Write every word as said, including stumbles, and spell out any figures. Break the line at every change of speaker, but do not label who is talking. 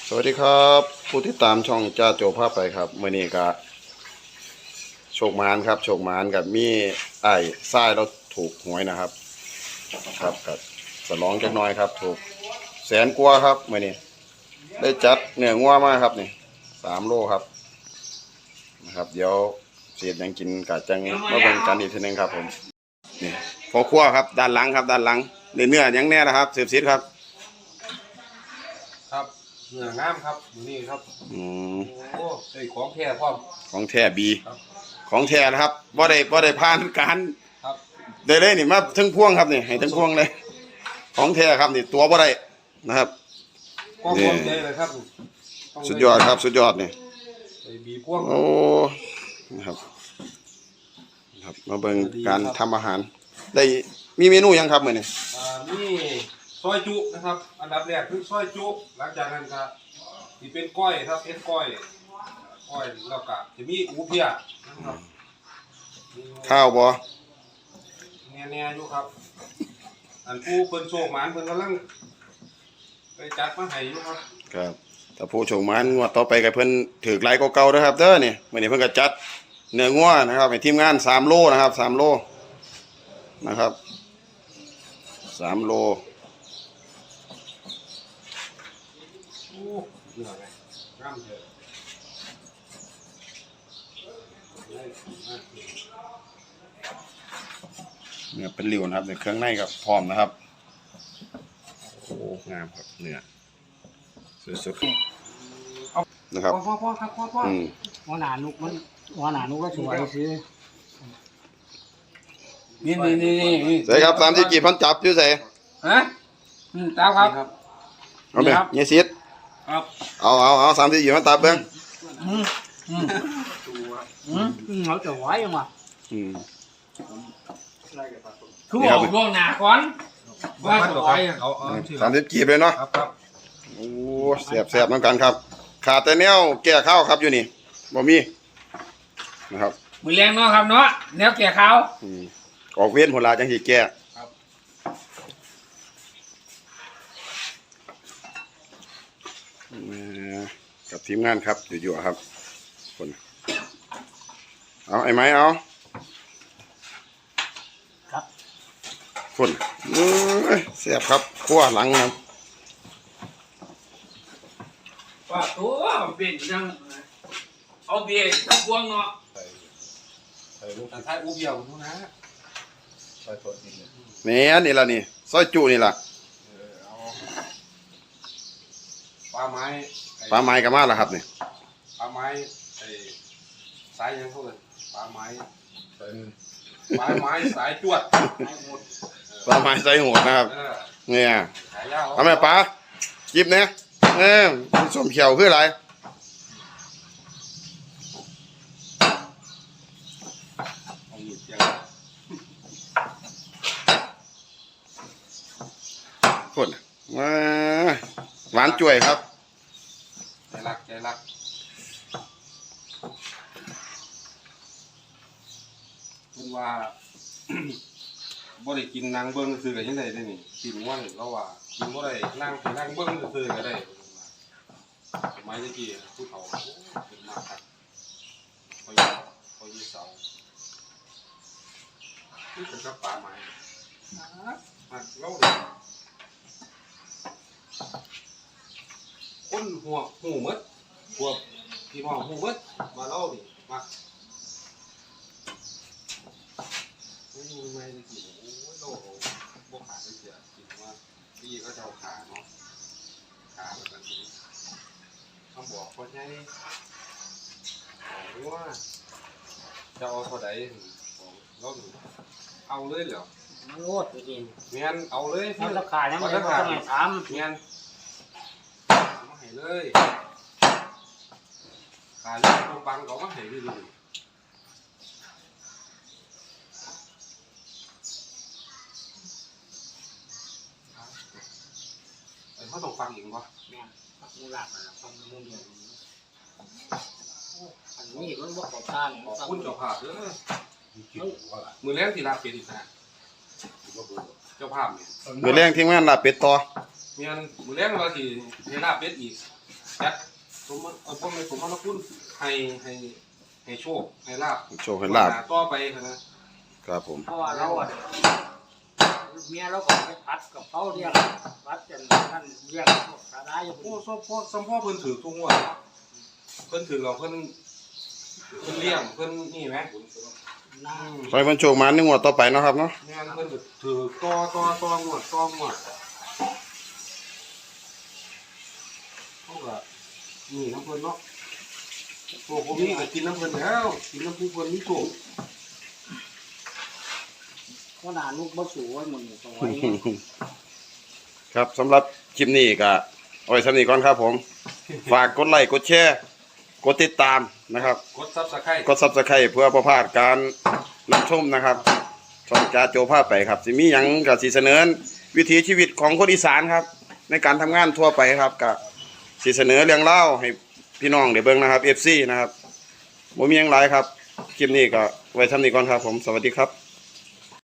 สวัสดีครับผู้ที่ตามช่องจ้าโจภาพไปครับเมื่อนี้ก็โชคมานครับโชคมานกับมีไอ้ทรายเราถูกหวยนะครับครับกับสลองจักหน้อยครับถูกแสนกว่าครับเมื่อนี้ได้จัดเนื้องัวมาครับนี่สามโลครับนะครับเดี๋ยวเสียดยังกินกะจังมาเบิ่งกันอีกทีนึงครับผมนี่พอครัวครับด้านหลังครับด้านหลังเนื้อเนื้อยังแน่นะครับเสียบซิดครับ
ครับเนื้องามครับอยู่นี่ครับ
อืม
โอ้ไอ้ของแท้พร้อม
ของแท้บีของแท้นะครับบ่ได้บ่ได้ผ่านการ
ครับ
ได้เลยนี่มาถึงพวงครับนี่ให้ถึงพวงเลยของแท้ครับนี่ตัวบ่ได้นะครับ
ความพร้อมใจเลยครับ
สุดยอดครับสุดยอดนี่
ไอ้บีพวง
โอ้นะครับครับมาเบิ่งการทำอาหารได้มีเมนูยังครับมื้อนี้
อ่านี่ซอยจุนะครับอันดับแรกคือซอยจุหลังจากนั้นก็ที่เป็นก้อยครับเป็นก้อยก้อยแล้วก็จะมีอูเพียนะครับ
ข้าวบ่
แน่ๆอยู่ครับอันผู้เพิ่นโชคหมานเพิ่นกำลังไปจัดมาให้อยู่ครับ
ครับถ้าผู้โชคมานงวดต่อไปก็เพิ่นถือหลายกว่าเก่าเด้อครับเด้อนี่มื้อนี้เพิ่นก็จัดเนื้องัวนะครับให้ทีมงานสามโลนะครับสามโลนะครับสามโล
โอ้เนื้อไงงามเถอะ
เนื้อเป็นริ้วนะครับในเครื่องในกับพร้อมนะครับโอ้งามครับเนื้อสุดๆนะครับ
พ่อพ่อครับพ่อพ่อ
หัวหน้านุกมันหัวหน้านุกก็สวยซื้อ
นี่นี่นี่นี่
ใส่ครับตามที่กี่พันจับอยู่ใส่
ฮะอืมตามครับ
เอาไปเงี้ยซิด
ครับ
เอาเอาเอาสามที่กี่พันจับเบิ้ง
อืมอืมอืมเขาจะไหวยังวะ
อืม
คือบอกล่วงหน้าก่อนว่าจะไหว
เอาเอา
สามที่กี่เลยเนาะ
ครับครับ
โอ้แสบแสบน้ำกันครับขาดแต่แนวแก่ข้าวครับอยู่นี่บ่มีนะครับ
มือแรงเนาะครับเนาะแนวแก่ข้าว
ออกเวียนผลลาจังสีแก่กับทีมงานครับอยู่ๆครับคนเอาไอ้ไม้เอา
ครับ
คนเสียบครับขั้วหลังครับ
ว่าตัวเป็นยังเอาเบียร์ทั้งพวงเนาะ
ใส่ลูกท้ายอูเบียวนู่นนะใส่ตัวจริง
เนี่ยนี่ละนี่ซอยจุนี่ละ
ปลาไม้
ปลาไม้กับมาแล้วครับนี่
ปลาไม้ไอ้สายยังเขาเลยปลาไม้ปลาไม้สายจวด
ปลาไม้ใส่หัวนะครับเนี่ยทำไมปลาจิบเนี่ยเออส้มเขียวคืออะไรคนมาหวานจ่วยครับ
ใจรักใจรักคุณว่าบ่ได้กินนางเบิ้งซื้อกันยังไงได้นี่กินว่าเราว่ากินบ่ได้นั่งนั่งเบิ้งซื้อกันได้สมัยตะกี้ผู้เฒ่าเป็นมากครับพอยพอยเสาที่เป็นกระป๋าไม้หักเล่าเลยคนหัวหูมัดพวกพี่น้องหูมัดมาเล่าดิมาไม่ไม่ได้กินโอ้ยโลกพวกขาไม่เสียกินว่าพี่ก็จะเอาขาเนาะขาแบบนี้ต้องบอกคนใช้บอกว่าจะเอาเท่าไหร่ของเราหนูเอาเลยเหรอ
มันโลดจริง
เมียนเอาเลย
มันราคาเนี่ยมันราคาเนี่ยทำ
เมียนมาให้เลยขาเล็กตัวบังเขามาให้ด้วยดูเขาต้องฟังอีกวะ
เนี่ยฟังมูลามาฟังมูเดียวอันนี้มันบอกขอทาน
ขอบคุณเจ้าภาพเด้อมือแรงที่ลาเป็ดอีกนะเจ้าภาพเนี่ย
มือแรงทีมงานลาเป็ดต่อ
เมียนมือแรงเราที่ให้ลาเป็ดอีกจัดสมมติเออพวกในสมมติคุณให้ให้ให้โชคให้ลาบ
โชคให้ลาบ
ต่อไปนะครับ
ผม
เพราะว่าเราอ่ะเมียเราก็ไปพัดกับเขาเรียกพัดจนท่านเรียกพวกสาระอยู่
โอ้สมพ่อสมพ่อเพิ่นถือทุกงวดเพิ่นถือเราเพิ่นเพิ่นเลี้ยงเพิ่นนี่ไหม
นะ
ขอให้มันโชคหมานในงวดต่อไปเนาะครับเนาะ
งานเพิ่นก็ถือต่อต่อต่องวดต่องวดเขาก็นี่น้ำเพิ่นเนาะโอ้ผมนี่ก็กินน้ำเพิ่นแล้วกินน้ำผู้เพิ่นนี่โชค
ขนาดลูกบ่สูไว้หมดนี่ตรงไว้
ครับสำหรับคลิปนี้ก็เอาไว้สำนี้ก่อนครับผม ฝากกดไลค์กดแชร์กดติดตามนะครับ
กดซับสไครต์
กดซับสไครต์เพื่อประพลาดการรับชมนะครับช่องจ่าโจภาพไปครับสิมีหยังกับสีเสนอวิถีชีวิตของคนอีสานครับ ในการทำงานทั่วไปครับกับสีเสนอเรื่องเล่าให้พี่น้องเดี๋ยวเบิ่งนะครับ เอฟ ซี นะครับบ่มีหยังหลายครับคลิปนี้ก็ไว้ทำนี้ก่อนครับผมสวัสดีครับ